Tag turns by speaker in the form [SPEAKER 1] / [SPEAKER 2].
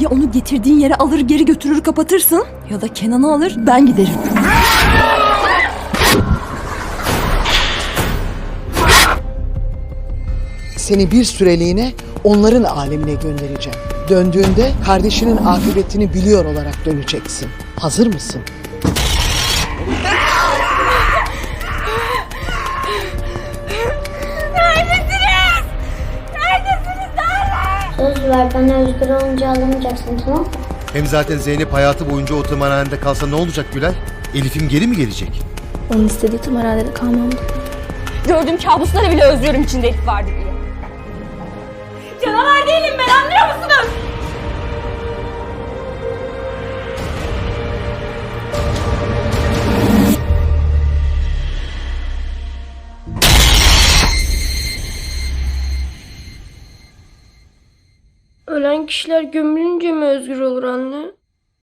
[SPEAKER 1] Ya onu getirdiğin yere alır geri götürür kapatırsın ya da Kenan'ı alır ben giderim.
[SPEAKER 2] Seni bir süreliğine onların alemine göndereceğim. Döndüğünde kardeşinin akıbetini biliyor olarak döneceksin. Hazır mısın?
[SPEAKER 3] Neredesiniz? Neredesiniz? Söz ver, bana özgür olunca alamayacaksın, tamam mı?
[SPEAKER 4] Hem zaten Zeynep hayatı boyunca o tımarhanede kalsa ne olacak Gülay? Elif'im geri mi gelecek?
[SPEAKER 5] Onun istediği tımarhanede kalmamdı.
[SPEAKER 6] Gördüğüm kabuslara bile özlüyorum içinde Elif vardı diye. Canavar değilim ben, anlıyor musunuz?
[SPEAKER 5] Ölen kişiler gömülünce mi özgür olur anne?